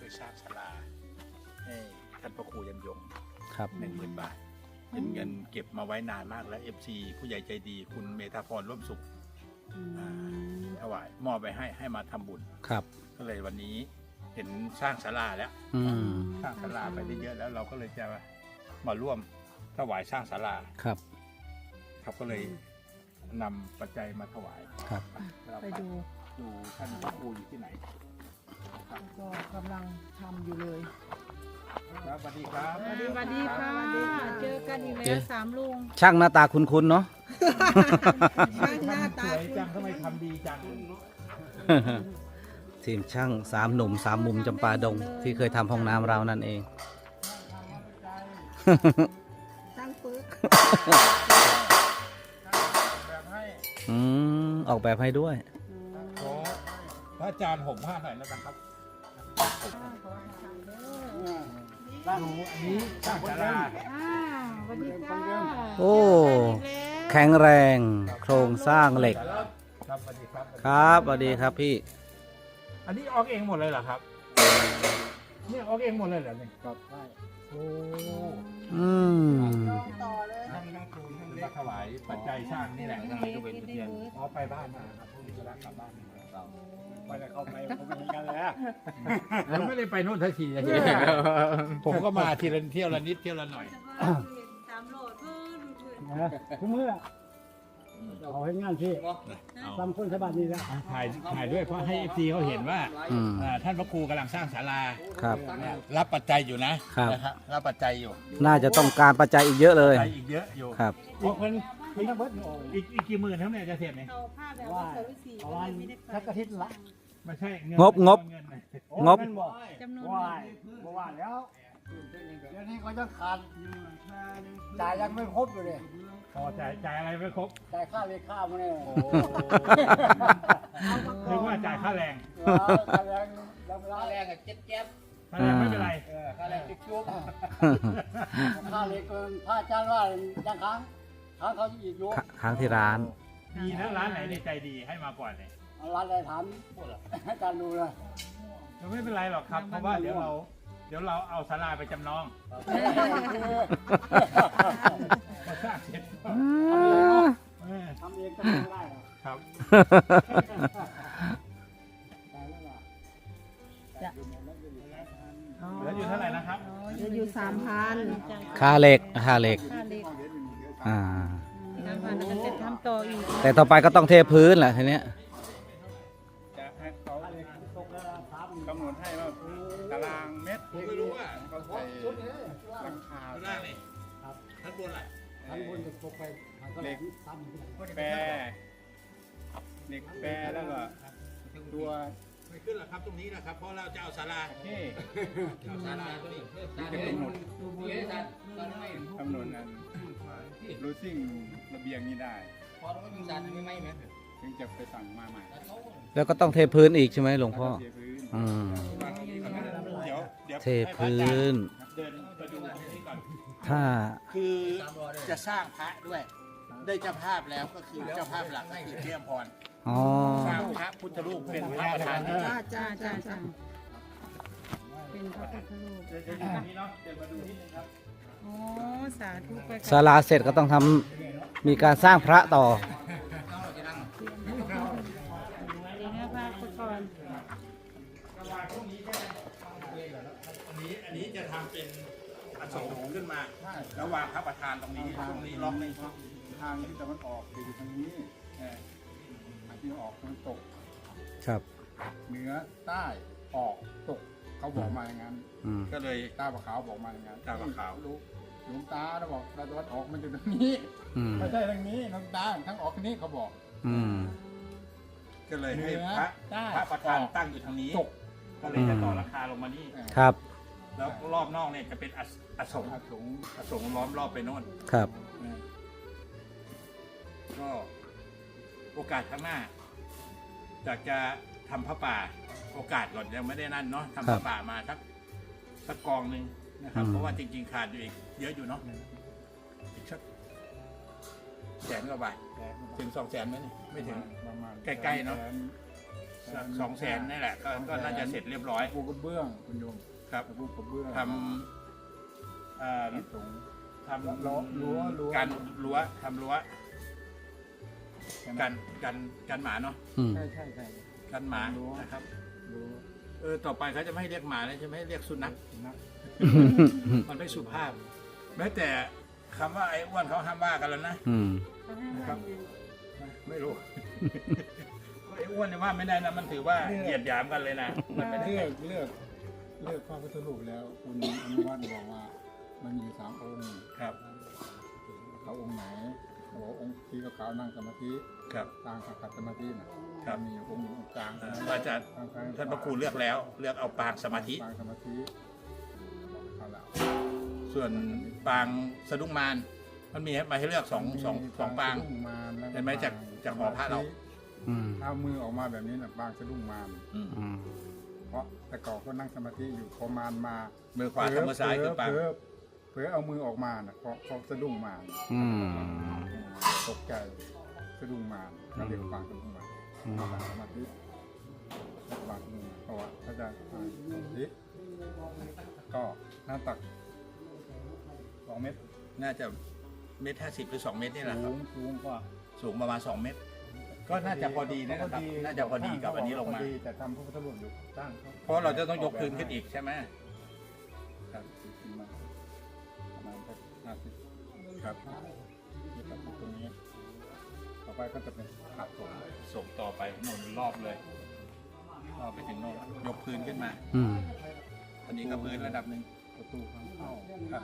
วยสร้างศาลาให้ท่านพระครูยันยงครับ 10,000 บาทเป็นเงินเก็บมาไว้นานมากแล้ว FC ผู้ใหญ่ใจดีคุณเมธาพรร่วมสุขถวายมอบไปให้มาทำบุญครับก็เลยวันนี้เห็นสร้างศาลาแล้วอืมสร้างศาลาไปได้เยอะแล้วเราก็เลยจะมาร่วมถวายสร้างศาลาครับครับก็เลยนำปัจจัยมาถวายครับเราไปดูดูท่านพระครูอยู่ที่ไหนครับก็กำลังทำอยู่เลยครับสวัสดีครับสวัสดีค่ะเจอกันอีกแล้ว3 ลุงช่างหน้าตาคุ้นๆเนาะช่างหน้าตาสวยจังทำไมทำดีจังทีมช่าง3 หนุ่ม 3 มุมจำปาดง ที่เคยทำห้องน้ำเรานั่นเองช่างปึ๊กแบบให้ออกแบบให้ด้วยขอพระอาจารย์ห่มผ้าหน่อยแล้วกันครับดูอันนี้สร้างศาลาสวัสดีค่ะโอ้ แข็งแรงโครงสร้างเหล็กครับสวัสดีครับครับสวัสดีครับพี่อันนี้ออกเองหมดเลยเหรอครับเนี่ยออกเองหมดเลยเหรอเนี่ยครับใช่โอ้อืมต่อเลยนั่งคุยนั่งเล็กถวายปัจจัยสร้างนี่แหละทำไมก็เป็นเทียนอ๋อไปบ้านมาครับพรุ่งนี้จะกลับบ้านเราไปแล้วเข้าไปผมเป็นกันเลยผมไม่ได้ไปโน่นทันทีผมก็มาทีละเที่ยวละนิดเที่ยวละหน่อยทุกมื้อเอาให้งานที่ทำคนสบายดีแล้วถ่ายด้วยเพราะให้ FC เขาเห็นว่าอืมท่านพระครูกำลังสร้างศาลาครับรับปัจจัยอยู่นะครับ นะครับรับปัจจัยอยู่น่าจะต้องการปัจจัยอีกเยอะเลยปัจจัยอีกเยอะอยู่ครับอีกเพิ่นมีทั้งเบิดโอ้ยอีกกี่หมื่นเท่านี้จะเสร็จเนี่ยเอาผ้าแบบว่าว่าสวิสีประมาณสักอาทิตย์ละไม่ใช่เงินงบเงินน่ะโอ้งบแม่นบ่จำนวนว่าบ่ว่าแล้วเดี๋ยวนี้ก็ยังขาดจ่ายยังไม่ครบอยู่เลยพอจ่ายอะไรไม่ครบจ่ายค่าเลขามาเนี่ยเรียกว่าจ่ายค่าแรงค่าแรงยังไม่ได้ค่าแรงไม่เป็นไรค่าแรงติ๊กจุ๊บค่าเลเกินค่าจ้างว่ายังค้างเขาอีกอยู่ค้างที่ร้านดีนะร้านไหนในใจดีให้มาก่อนเนี่ยร้านอะไรถามให้การดูเลยไม่เป็นไรหรอกครับ เพราะว่าเดี๋ยวเราเอาศาลาไปจำนองพอสร้างเสร็จก็เออทำเองก็ไม่ได้หรอกครับตายแล้วล่ะเหลืออยู่เท่าไหร่นะครับจะอยู่3,000 ค่าเหล็ก ค่าเหล็กค่าเล็กอ่า 3,000แล้วก็จะทำต่ออีกแต่ต่อไปก็ต้องเทพื้นแหละทีเนี้ยจะให้เขาค่าเลตกแล้วถามกำหนดให้ว่าตารางเมตรผมไม่รู้ว่าเขาใส่ชุดนี้หลังคาข้างล่างนี่ท่านบนอะไรทางบนจะตกไปทางก็เล็กซ้ำแปรเหล็กแปรแล้วก็ตัวไม่ขึ้นหรอกครับตรงนี้นะครับเพราะเราจะเอาศาลาที่เอาศาลาตัวนี้จะกำหนดกำหนดนั้นรูซิ่งระเบียงนี้ได้ถึงจะไปสั่งมาใหม่แล้วก็ต้องเทพื้นอีกใช่ไหมหลวงพ่อเทพื้นอืมเดี๋ยวเทพื้นเดินไปดูตรงนี้ก่อนถ้าคือจะสร้างพระด้วย ได้เจ้าภาพแล้วก็คือเจ้าภาพหลักก็คือเทียมพรอ๋อสร้างพระพุทธรูปเป็นพระประธานจ้าเป็นพระพุทธรูปเดี๋ยวอยู่ตรงนี้เนาะเดี๋ยวมาดูนิดนึงครับอ๋อสาธุไปศาลาเสร็จก็ต้องทำมีการสร้างพระต่อเดี๋ยวนะพระพุทธก่อนอันนี้จะทำเป็นอโศกขึ้นมาแล้ววางพระประธานตรงนี้ล็อกนี่ทางที่ตะวันออกอยู่ทางนี้ทางที่ออกตะวันตกครับเหนือใต้ออกตกเขาบอกมาอย่างนั้นอืมก็เลยตาปะขาวบอกมาอย่างนั้นตาปะขาวหลวงตาเขาบอกตะวันออกมันอยู่ตรงนี้อืมไม่ใช่ทางนี้หลวงตาทั้งออกทางนี้เขาบอกอืมก็เลยให้เหนือพระใต้พระประธานตั้งอยู่ทางนี้ตกก็เลยจะต่อราคาลงมานี่ครับแล้วรอบนอกเนี่ยจะเป็นอโศกอาสงอโศกล้อมรอบไปโน่นครับก็โอกาสข้างหน้าอยากจะทำพระป่าโอกาสก่อนยังไม่ได้นั่นเนาะทำพระป่ามาสักกองหนึ่งนะครับ เพราะว่าจริงๆขาดอยู่อีกเยอะอยู่เนาะอีกสัก100,000 กว่าบาทถึง200,000ไหมนี่ไม่ถึงประมาณใกล้ๆเนอะสัก200,000นี่แหละก็น่าจะเสร็จเรียบร้อยปูกระเบื้องคุณโยมครับปูกระเบื้องทำตรงทำรั้วการรั้วทำรั้วกันหมาเนาะอืมใช่กันหมานะครับ ต่อไปเขาจะไม่ให้เรียกหมาแล้วจะไม่ให้เรียกสุนัขนักมันไม่สุภาพ แม้แต่คำว่าไอ้อ้วนเขาห้ามว่ากันแล้วนะอืมครับ ไม่รู้ ไอ้อ้วนเนี่ยว่าไม่ได้นะมันถือว่าเหยียดหยามกันเลยนะมันไม่ได้เลือกพระพุทธรูปแล้วคุณอนุวัฒน์บอกว่ามันมี3 องค์ครับเขาองค์ไหนบอกองค์ที่ขาวนั่งสมาธิครับต่างขัดสมาธินะครับ มีองค์หนึ่งองค์กลางอาจารย์ท่านพระครูเลือกแล้วเลือกเอาปางสมาธิปางสมาธิเอาละส่วนปางสะดุ้งมารมันมีมาให้เลือกสองปางสะดุ้งมารแล้วก็เห็นไหมจากหอพระเราอืมเอามือออกมาแบบนี้นะปางสะดุ้งมารอืมอืมเพราะแต่ก่อนก็นั่งสมาธิอยู่พอมารมามือขวากับมือซ้ายคือปางเผลอเอามือออกมาน่ะเพราะสะดุ้งมารอืมตกใจสะดุ้งมารก็เรียกปางสะดุ้งมารอืมปางสมาธิปางสะดุ้งมารเพราะว่าพระอาจารย์สมาธิก็หน้าตัก2 เมตรน่าจะ1.50 หรือ2 เมตรนี่แหละครับสูงกว่าสูงประมาณ2 เมตร ก็น่าจะพอดีนะครับน่าจะพอดีกับอันนี้ลงมาพอดีแต่ทำพระพุทธรูปอยู่ตั้งเพราะเราจะต้องยกพื้นขึ้นอีกใช่ไหมครับขึ้นมาประมาณสัก50 ครับที่ตัดตรงนี้ต่อไปก็จะเป็นขาดส่งส่งต่อไปโน่นรอบเลยรอบไปถึงโน่นยกพื้นขึ้นมาอืมอันนี้ก็พื้นระดับหนึ่งประตูทางเข้าครับ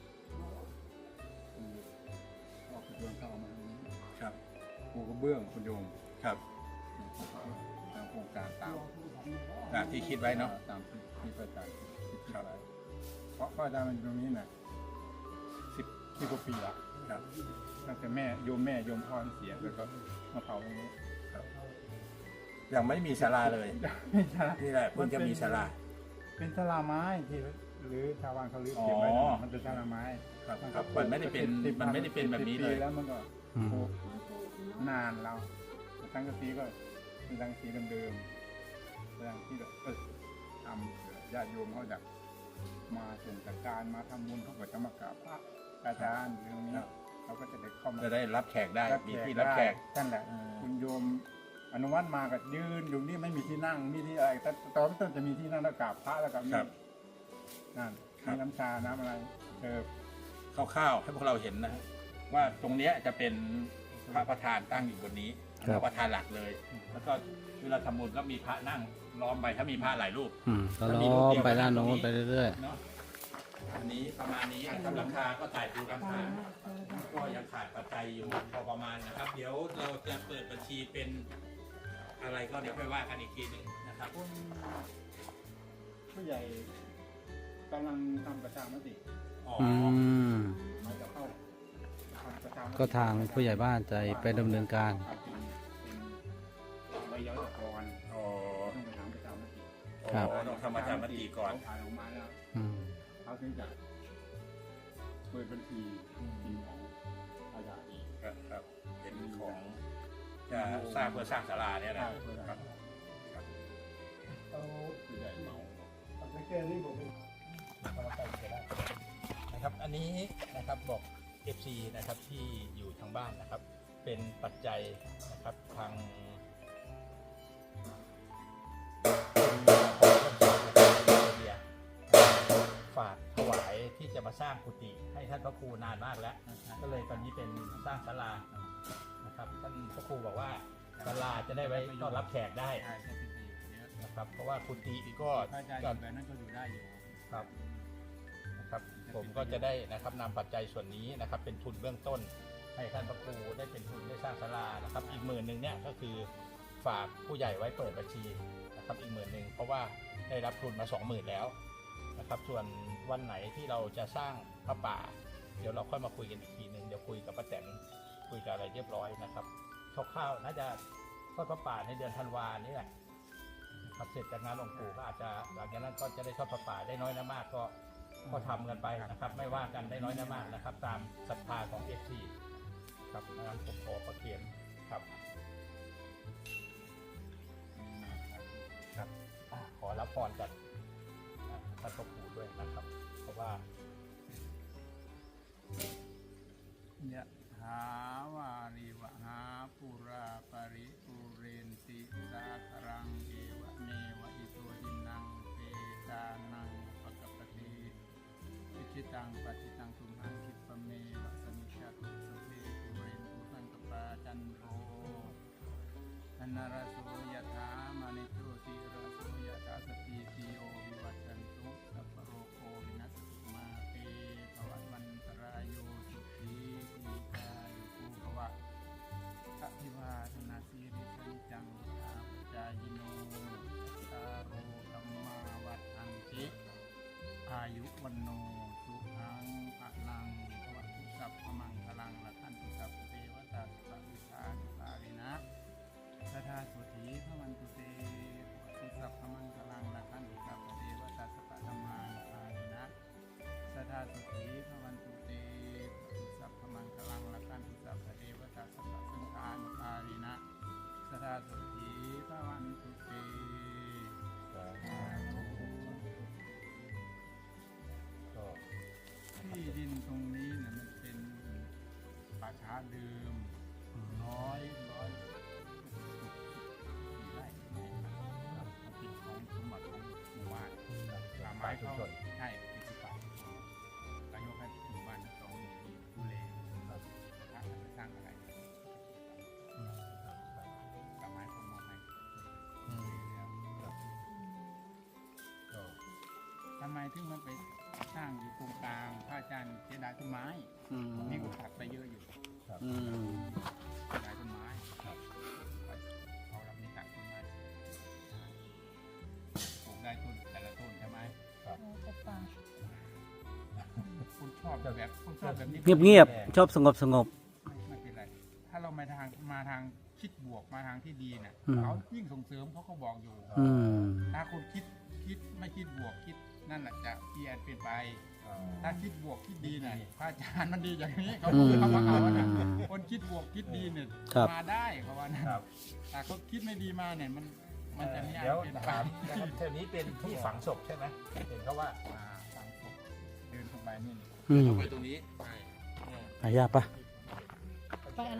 ออกประตูเข้ามาตรงนี้ครับปูกระเบื้องคุณโยมครับตามโครงการตามตามที่คิดไว้เนาะตามที่พระอาจารย์คิดไว้เพราะพระอาจารย์มันอยู่ตรงนี้น่ะ10 กว่าปีละครับตั้งแต่โยมพ่อเสียแล้วก็มาเผาตรงนี้ยังไม่มีศาลาเลยไม่ใช่นี่แหละเพิ่งจะมีศาลาเป็นศาลาไม้ที่หรือชาวบ้านเขาเรียกเก็บไว้อ๋อมันเป็นศาลาไม้ครับครับมันไม่ได้เป็นแบบนี้เลย 10 ปีแล้วมันก็อืมโอ้นานแล้วตั้งกะสีก็เป็นตั้งกะสีเดิมๆตั้งที่แบบทำญาติโยมเขาจะมาส่งจากการมาทำบุญเขาก็จะมากราบพระอาจารย์เรื่องนี้เขาก็จะได้เข้ามาจะได้รับแขกได้มีที่รับแขกนั่นแหละอืมคุณโยมอนุวัฒน์มาก็ยืนอยู่นี่ไม่มีที่นั่งมีที่อะไรแต่ตอนต้นจะมีที่นั่งแล้วกราบพระแล้วก็มีครับนั่นครับมีน้ำชาน้ำอะไรเออคร่าวๆให้พวกเราเห็นนะว่าตรงเนี้ยจะเป็นพระประธานตั้งอยู่บนนี้พระประธานหลักเลย แล้วก็เวลาทำบุญก็มีพระนั่งล้อมไปถ้ามีพระหลายรูปอืมก็ล้อมไปด้านโน้นไปเรื่อยเนาะอันนี้ประมาณนี้นะครับราคาก็จ่ายปูราคาก็ยังขาดปัจจัยอยู่พอประมาณนะครับ เดี๋ยวเราจะเปิดบัญชีเป็นอะไรก็เดี๋ยวค่อยว่ากันอีกทีหนึงนะครับผู้ใหญ่กำลังทำประชามติอ๋อๆ อืมมาจะเข้าทำประชามติก็ทางผู้ใหญ่บ้านจะไปดำเนินการเป็นใบย้อยตะกอนอ๋อต้องไปทำประชามติครับต้องทำประชามติก่อนผ่านออกมาแล้วอืมเขาถึงจะเปิดบัญชีทีมของอาญาอีกครับครับเป็นของจะสร้างเพื่อสร้างศาลาเนี่ยนะเพื่อครับเขาผู้ใหญ่เมานะครับอันนี้นะครับบอก FC นะครับที่อยู่ทางบ้านนะครับ เป็นปัจจัยนะครับทางฝากถวายที่จะมาสร้างกุฏิให้ท่านพระครูนานมากแล้ว ก็เลยตอนนี้เป็นสร้างศาลานะครับท่านพระครูบอกว่าศาลาจะได้ไว้ต้อนรับแขกได้นะครับเพราะว่ากุฏิก็พระอาจารย์อยู่แบบนั้นก็อยู่ได้อยู่ครับนะครับผมก็จะได้นะครับนำปัจจัยส่วนนี้นะครับเป็นทุนเบื้องต้น ให้ท่านพระครูได้เป็นทุนได้สร้างศาลานะครับอีก10,000เนี่ยก็คือฝากผู้ใหญ่ไว้เปิดบัญชีนะครับอีก10,000เพราะว่าได้รับทุนมา20,000แล้วนะครับส่วนวันไหนที่เราจะสร้างพระป่า เดี๋ยวเราค่อยมาคุยกันอีกทีหนึ่งเดี๋ยวคุยกับป้าแตนคุยกับอะไรเรียบร้อยนะครับคร่าวๆน่าจะทอดพระป่าในเดือนธันวานี่แหละครับเสร็จจากงานหลวงปู่ก็อาจจะหลังจากนั้นก็จะได้ทอดพระป่าได้น้อยนะมากก็ทำกันไปนะครับไม่ว่ากันได้น้อยนะมากนะครับตามศรัทธาของ FC ครับงั้นผมขอประเคียนครับครับขอรับพรจากท่านพ่อปู่ด้วยนะครับ เพราะว่ายะถาวาริวหาปุราปริปุเรนติสาครังเอวะเมวะอิโตทินังเปตานังปะกปปติอิจิตังปฏิตังตุมหังคิปะเมวะสมิชฌตุสพเพปุเรนตุสังกปาจันโทธนรโสยะถามณิโชติรโสยะถาสติติโยวิวัชชันตุสัพพโรโควินัสตุมาเตภวัตวันตรายโยสุขีทีกายุภูภวะอภิวาทนาสีริสันจังอาปจายโนตาโรธัมมาวัฏอันติอายุวันโนสุขังพลังภวตุสัพพมังคลังละคันตุสัพพเทวตาสัพพิธานุภารินะสทาสุธีพระวันตุเตภวตุสัพพมังคลังละคันตุสัพพเทวตาสัพพธรรมานุภารินะสทาสุธีพระวันตุเตภวตุสัพพมังคลังละคันตุสัพพเทวตาสัพพสังฆานุภารินะสทาสุธีพระวันตุเต ที่ดินตรงนี้เนี่ยมันเป็นป่าช้าเดิมร้อยไร่ครับมันเป็นของสมบัติของหมู่บ้านป่าไม้เขาใช่เป็นที่ป่านายกให้หมู่บ้านต้องมีดูแลครับถ้าจะสร้างอะไรป่าไม้เขามองให้ทำไมถึงมันไปสร้างอยู่ตรงกลางพระอาจารย์เสียดายต้นไม้นี่ก็ตัดไปเยอะอยู่เสียดายต้นไม้เขาเราไม่ตัดต้นไม้ปลูกได้ต้นแต่ละต้นใช่ไหมคุณชอบแบบนี้เงียบๆชอบสงบสงบไม่เป็นไรถ้าเรามาทางคิดบวกมาทางที่ดีน่ะอืมเขายิ่งส่งเสริมเขาก็บอกอยู่ ถ้าคนคิดไม่คิดบวกคิดนั่นแหละจะเปลี่ยนเป็นไป ถ้าคิดบวกคิดดีเนี่ยพระอาจารย์มันดีอย่างนี้เขาว่าเอานะคนคิดบวกคิดดีเนี่ยครับมาได้เขาว่านะแต่เขาคิดไม่ดีมาเนี่ยมันจะไม่อาจเดี๋ยวเป็นไปถามนะครับแถวนี้เป็นที่ฝังศพใช่ไหมเห็นเขาว่าฝังศพเดินเข้าไปนี่ไปตรงนี้อายาปะไปอะไร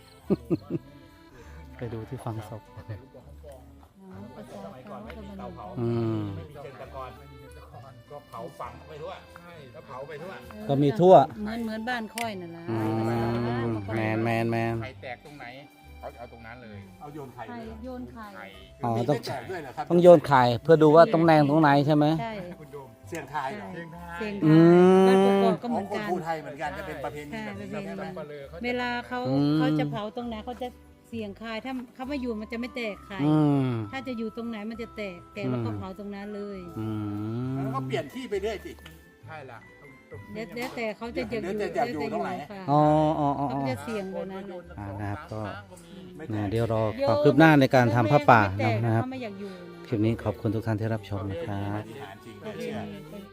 ไปดูที่ฝังศพประชาสมัยก่อนไม่มีเตาเผา ไม่มีเชิงตะกอนก็เผาฝังไปทั่วใช่ก็เผาไปทั่วก็มีทั่วเหมือนบ้านค่อยนั่นแหละแมนไข่แตกตรงไหนเขาเอาตรงนั้นเลยเอาโยนไข่ไข่ด้วยเหรอโยนไข่ไข่อ๋อมีต้องไม่แจกด้วยเหรอครับต้องโยนไข่เพื่อดูว่าตรงแนงตรงไหนใช่ไหมใช่คุณโดมเสียงทายเหรอเชียงไทยเสียงอืไทยมบ้านกอกๆก็ขเหอมืงอนคนกันภูไทยเหมือนกันจะเป็นประเพณีแบบนี้ใช่ประเพณีครับเวลาเขาอืมเขาจะเผาตรงไหนเขาจะเสี่ยงคายถ้าเขาไม่อยู่มันจะไม่แตกไข่อืมถ้าจะอยู่ตรงไหนมันจะแตกแล้วก็เผาตรงนั้นเลยอืมแล้วก็เปลี่ยนที่ไปเรื่อยสิใช่ละแล้วแต่เขาจะอยู่แล้วแต่อยากอยู่ตรงไหนค่ะอ๋ออ๋ออ๋อเขาจะเสี่ยงแบบนั้นนะครับก็ไม่แตกเดี๋ยวรอความคืบหน้าในการทำผ้าป่าไม่แตกนะครับเขาไม่อยากอยู่คลิปนี้ขอบคุณทุกท่านที่รับชมนะครับปฏิหารย์จริงไม่เชื่อ